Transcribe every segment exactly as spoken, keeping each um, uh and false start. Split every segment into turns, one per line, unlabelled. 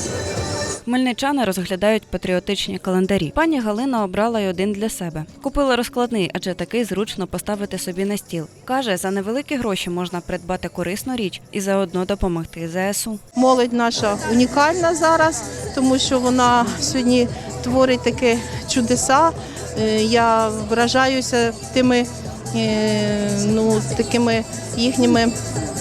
Хмельничани розглядають патріотичні календарі. Пані Галина обрала й один для себе. Купила розкладний, адже такий зручно поставити собі на стіл. Каже, за невеликі гроші можна придбати корисну річ і заодно допомогти зе ес у.
Молодь наша унікальна зараз, тому що вона сьогодні творить такі чудеса. Е, Я вражаюся тими е, ну, такими їхніми м,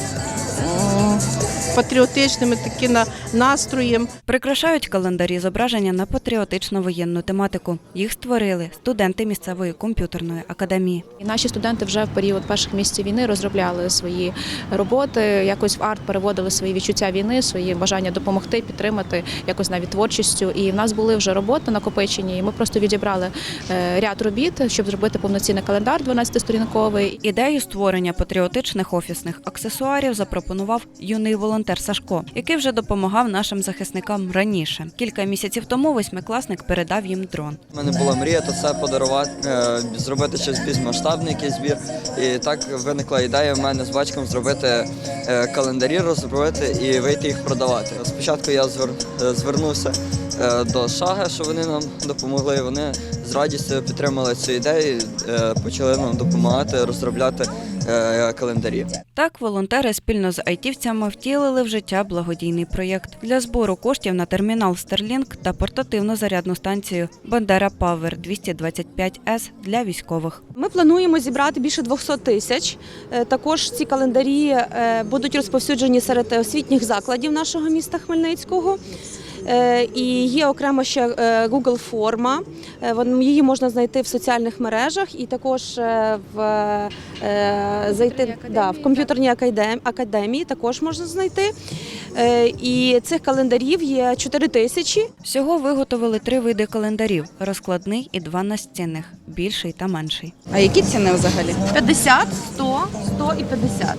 патріотичними такими настроєм.
Прикрашають календарі зображення на патріотично-воєнну тематику. Їх створили студенти місцевої комп'ютерної академії.
І наші студенти вже в період перших місяців війни розробляли свої роботи, якось в арт переводили свої відчуття війни, свої бажання допомогти, підтримати, якось навіть творчістю. І в нас були вже роботи накопичені, і ми просто відібрали е, ряд робіт, щоб зробити повноцінний календар дванадцятисторінковий.
Ідею створення патріотичних офісних аксесуарів запропонував юний волонтер Сашко, який вже допомагав нашим захисникам раніше. Кілька місяців тому восьмикласник передав їм дрон.
У мене була мрія то це подарувати, зробити щось більш масштабний якийсь збір. І так виникла ідея в мене з батьком зробити календарі, розробити і вийти їх продавати. Спочатку я звернувся до Шага, що вони нам допомогли. Вони з радістю підтримали цю ідею, почали нам допомагати розробляти календарі.
Так, волонтери спільно з айтівцями втілили в життя благодійний проєкт для збору коштів на термінал Starlink та портативну зарядну станцію Бандера Павер двісті двадцять п'ять ес для військових.
Ми плануємо зібрати більше двохсот тисяч. Також ці календарі будуть розповсюджені серед освітніх закладів нашого міста Хмельницького. І є окремо ще Google форма, її можна знайти в соціальних мережах і також в, зайти, да, в комп'ютерній академії, академії також можна знайти. І цих календарів є чотири тисячі.
Всього виготовили три види календарів – розкладний і два настінних – більший та менший.
А які ціни взагалі?
п'ятдесят, сто, сто і п'ятдесят.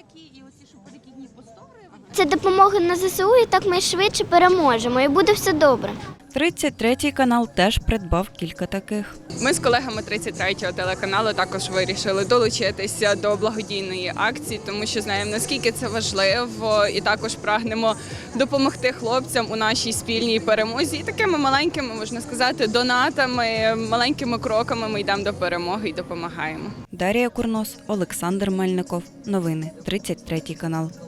Це допомога на зе се у, і так ми швидше переможемо, і буде все добре.
тридцять третій канал теж придбав кілька таких.
Ми з колегами тридцять третього телеканалу також вирішили долучитися до благодійної акції, тому що знаємо, наскільки це важливо, і також прагнемо допомогти хлопцям у нашій спільній перемозі. І такими маленькими, можна сказати, донатами, маленькими кроками ми йдемо до перемоги і допомагаємо.
Дар'я Курнос, Олександр Мельников. Новини. тридцять третій канал.